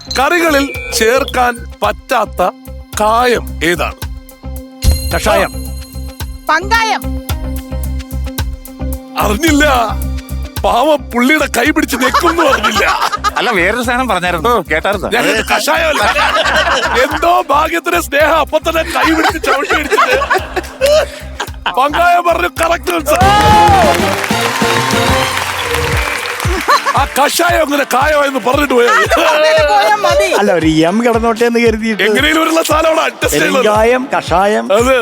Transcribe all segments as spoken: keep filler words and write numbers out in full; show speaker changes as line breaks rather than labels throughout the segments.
കറികളിൽ ചേർക്കാൻ പറ്റാത്ത കായം ഏതാണ്?
കഷായം.
പങ്കായം.
അറിഞ്ഞില്ല. പാവ പുള്ളിയുടെ കൈ പിടിച്ച് നെക്കുന്നു അറിഞ്ഞില്ല.
അല്ല, വേറൊരു സാധനം പറഞ്ഞായിരുന്നു, കേട്ടായിരുന്നു.
കഷായമല്ല, എന്തോ ഭാഗ്യത്തിന് സ്നേഹ അപ്പൊ തന്നെ കൈ പിടിച്ച് ചവിട്ടി അടിച്ചിട്ട് പങ്കായം പറഞ്ഞു. കറക്റ്റ്. ആ കഷായം അങ്ങനെ കായമായെന്ന് പറഞ്ഞിട്ട് പോയാ
അല്ല, ഒരു എം കിടന്നോട്ടെ എന്ന് കരുതിയിട്ട്
എങ്ങനെയും ഒരു സാധനം അഡ്ജസ്റ്റ് ചെയ്യുന്നത്.
കായം കഷായം.
അതെ.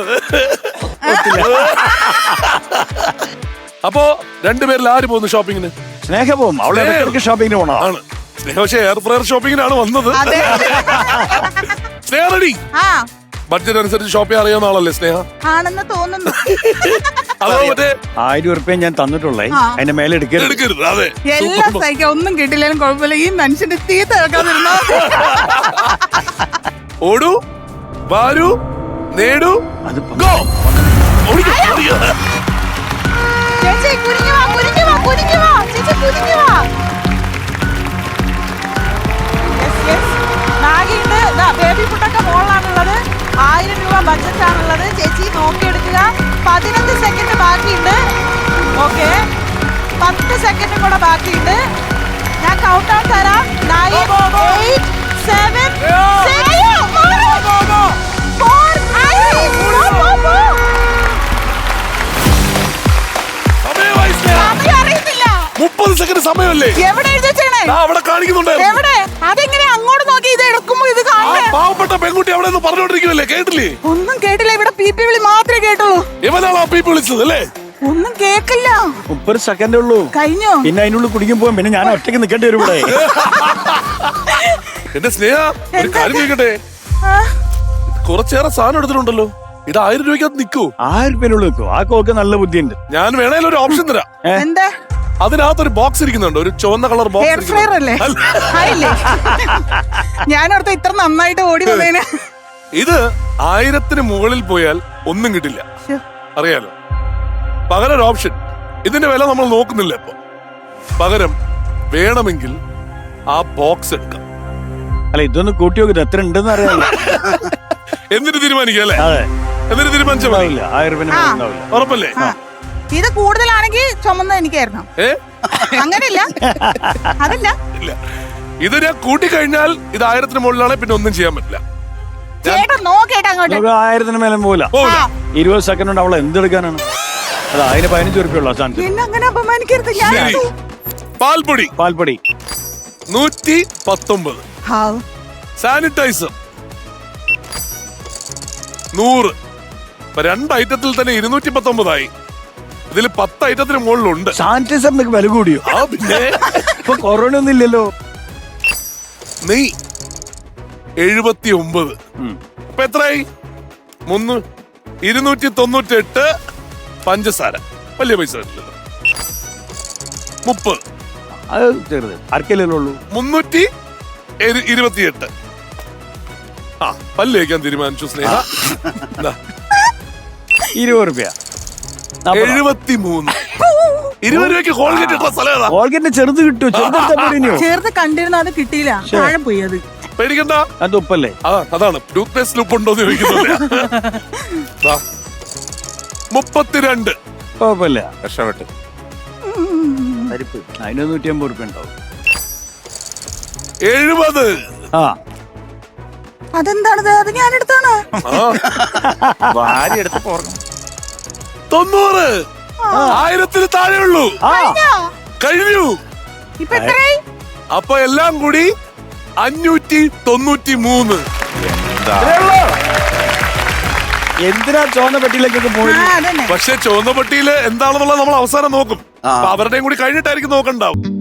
അപ്പോ രണ്ടുപേരിൽ ആര് പോകുന്നു ഷോപ്പിങ്ങിന്?
സ്നേഹ പോകും. അവളെ ഷോപ്പിങ്ങിന് പോണോ?
ആണ് സ്നേഹ. പക്ഷേ എയർ ഫ്രയർ ഷോപ്പിങ്ങിനാണ് വന്നത്. സ്നേഹ റെഡി? ബഡ്ജറ്റ് അനുസരിച്ച് ഷോപ്പ് ചെയ്യാൻ അറിയാവുന്ന ആളല്ലേ സ്നേഹ?
ആണെന്ന് തോന്നുന്നു.
അതോ മറ്റേ ആയിരം ഉറുപ്പ്യ ഞാൻ തന്നിട്ടുള്ളേ, അതിന്റെ മേലെ എടുക്കരുത്.
അതെ,
എല്ലാം സഹിക്കാം, ഒന്നും കിട്ടില്ലാലും കുഴപ്പമില്ല. ഈ മനുഷ്യന്റെ തീറ്റ കേൾക്കാതിരുന്നോ.
ഓടൂ, വാരൂ, നേടൂ, ഗോ.
ചേച്ചി കുനിഞ്ഞു വാ, കുനിഞ്ഞു വാ, കുനിഞ്ഞു വാ. ചേച്ചി കുനിഞ്ഞു വാ. നാഗിണ്ട്. ബേബി ഫുഡൊക്കെ മോളിലാണുള്ളത്. ആയിരം രൂപ ബഡ്ജറ്റ് ആണുള്ളത്. ചേച്ചി നോക്കിയെടുക്കുക. പതിനഞ്ച് സെക്കൻഡ് ബാക്കിയുണ്ട്. ഓക്കെ, പത്ത് സെക്കൻഡ് കൂടെ ബാക്കിയുണ്ട്. ഞാൻ കൗണ്ട് ഡൗൺ തരാം. നയൻ, എയ്റ്റ്, സെവൻ,
മുപ്പത് സെക്കൻഡ് സമയമല്ലേ?
എവിടെ എഴുതിച്ചേണേ?
അവിടെ കാണിക്കുന്നുണ്ട്.
എവിടെ? അതെങ്ങനെ അങ്ങോട്ട് നോക്കി ഇത് എടുക്കുമ്പോ ഇത് കാണുന്നേ?
പാവപ്പെട്ട പെൺകുട്ടി അവിടെ നിന്ന് പറഞ്ഞോണ്ടിരിക്കുമല്ലേ, കേട്ടില്ലേ?
ഒന്നും കേട്ടില്ല. ഇവിടെ പി പി വിളി മാത്രമേ കേട്ടുള്ളൂ.
ഇവനാണ് ആ പീപ്പ് വിളിച്ചത് അല്ലേ?
ഒന്നും കേക്കില്ല.
മുപ്പത് സെക്കൻഡേ ഉള്ളൂ.
കഴിഞ്ഞോ?
പിന്നെ അതിനുള്ളിൽ കുടിക്കും പോകാൻ പിന്നെ ഞാൻ ഒറ്റയ്ക്ക് നിൽക്കേണ്ടി വരും ഇവിടെ.
എന്റെ സ്നേഹ, ഒരു കാര്യം ചോദിക്കട്ടെ? കുറച്ചേറെ സാധനം എടുത്തിട്ടുണ്ടല്ലോ. ഇത് ആയിരം രൂപയ്ക്കകത്ത് നിൽക്കൂ?
ആയിരം രൂപ നിൽക്കൂ. ആ കോക്ക് നല്ല ബുദ്ധിയുണ്ട്.
ഞാൻ വേണേലും ഒരു ഓപ്ഷൻ തരാം.
എന്താ?
അതിനകത്തൊരു ബോക്സ് ഇരിക്കുന്നുണ്ട്, ഒരു ചുവന്ന കളർ
എയർ
ബോക്സ്.
ഫ്രയർ അല്ലേ? ഞാനോർത്ത് ഇത്ര നന്നായിട്ട് ഓടി വന്നേന്.
ഇത് ആയിരത്തിന് മുകളിൽ പോയാൽ ഒന്നും കിട്ടില്ല, അറിയാലോ. പകരം ഒരു ഓപ്ഷൻ. ഇതിന്റെ വില നമ്മൾ നോക്കുന്നില്ല ഇപ്പൊ. പകരം വേണമെങ്കിൽ ആ ബോക്സ് എടുക്കാം.
അല്ല, ഇതൊന്ന് കൂട്ടി നോക്കിട്ട് എത്ര ഉണ്ടെന്ന് അറിയാമല്ലോ.
എന്നിട്ട് തീരുമാനിക്കാം അല്ലേ?
അതെ,
എന്നിട്ട് തീരുമാനിച്ചാൽ മതി.
ആയിരം രൂപ
ഉറപ്പല്ലേ?
ഇത് കൂടുതലാണെങ്കിൽ ചുമന്ന എനിക്കായിരുന്നു.
ഏ,
അങ്ങനെയില്ല, അതല്ല.
ഇല്ല, ഇത് ഞാൻ കൂട്ടിക്കഴിഞ്ഞാൽ ഇത് ആയിരത്തിന് മുകളിലാണ്, പിന്നെ ഒന്നും ചെയ്യാൻ പറ്റില്ല.
ചേട്ടാ നോക്കേട്ടാ അങ്ങോട്ട്.
ആയിരത്തിന് മേലെ പോലെ ഇരുപത് സെക്കൻഡ് കൊണ്ട് അവളെ എന്തെടുക്കാനാണ്? അല്ല, അതിന് പതിനഞ്ച് ഉറുപ്പിയുള്ള സാധനം.
പിന്നെ അങ്ങനെ അപമാനിക്കരുത്. ഞാൻ
പാൽപ്പൊടി
പാൽപ്പൊടി
നൂറ്റി പത്തൊമ്പത്. സാനിറ്റൈസർ നൂറ്. രണ്ട് ഐറ്റത്തിൽ തന്നെ ഇരുന്നൂറ്റി പത്തൊമ്പതായി. ഇതിൽ പത്ത് ഐറ്റത്തിന് മുകളിലുണ്ട്.
സാനിറ്റൈസറിന് വില കൂടിയോ?
ആ പിന്നെ
ഇപ്പൊ കൊറോണ ഒന്നും ഇല്ലല്ലോ.
നെയ് എഴുപത്തി ഒമ്പത്. അപ്പൊ എത്രയായി? മുന്നൂ ഇരുന്നൂറ്റി തൊണ്ണൂറ്റി എട്ട്. പഞ്ചസാര വലിയ പൈസ വരില്ലല്ലോ. മുപ്പത്.
അത് ചെറുത് അരക്കല്ലേ ഉള്ളൂ.
മുന്നൂറ്റി ഇരുപത്തിയെട്ട്. ആ, പല്ല് വയ്ക്കാൻ തീരുമാനിച്ചു സ്നേഹ.
ഇരുപത് റുപ്യ.
എഴുപത്തി മൂന്ന്. ഇരുപത് രൂപയ്ക്ക് കോൾഗേറ്റ് ഇട്ട സ്ഥലം ഏതാ?
കോൾഗേറ്റ് ചെറുത് കിട്ടുമോ? ചെറുത്
ചെറുത് കണ്ടിരുന്ന അത് കിട്ടിയില്ല, താഴെ പോയി. അത്
പേടിക്കണ്ട,
അത് ഉപ്പല്ലേ?
അതാ അതാണ് ടൂത്ത് പേസ്റ്റ് ഉപ്പുണ്ടോ എന്ന് ചോദിക്കുന്നത്. മുപ്പത്തിരണ്ട്.
കുഴപ്പമില്ല,
രക്ഷപ്പെട്ട്.
പരിപ്പ് അതിന് നൂറ്റി അമ്പത് റുപ്യ ഉണ്ടാവും.
എഴുപത്.
ആ,
അതെന്താണത്? അത് ഞാൻ എടുത്താണ്.
ഭാര്യ എടുത്ത് പോർക്കണം.
തൊണ്ണൂറ്. ആയിരത്തിന് താഴെയുള്ളൂ. കഴിഞ്ഞു.
ഇപ്പൊ എത്രയായി?
അപ്പൊ എല്ലാം കൂടി അഞ്ഞൂറ്റി തൊണ്ണൂറ്റി മൂന്ന്.
എന്തിനാ ചുവന്ന പെട്ടിയിലേക്കൊക്കെ പോയി?
പക്ഷെ ചുവന്ന പെട്ടിയില് എന്താണെന്നുള്ളത് നമ്മൾ അവസാനം നോക്കും. അവരുടെയും കൂടി കഴിഞ്ഞിട്ടായിരിക്കും നോക്കണ്ടാവും.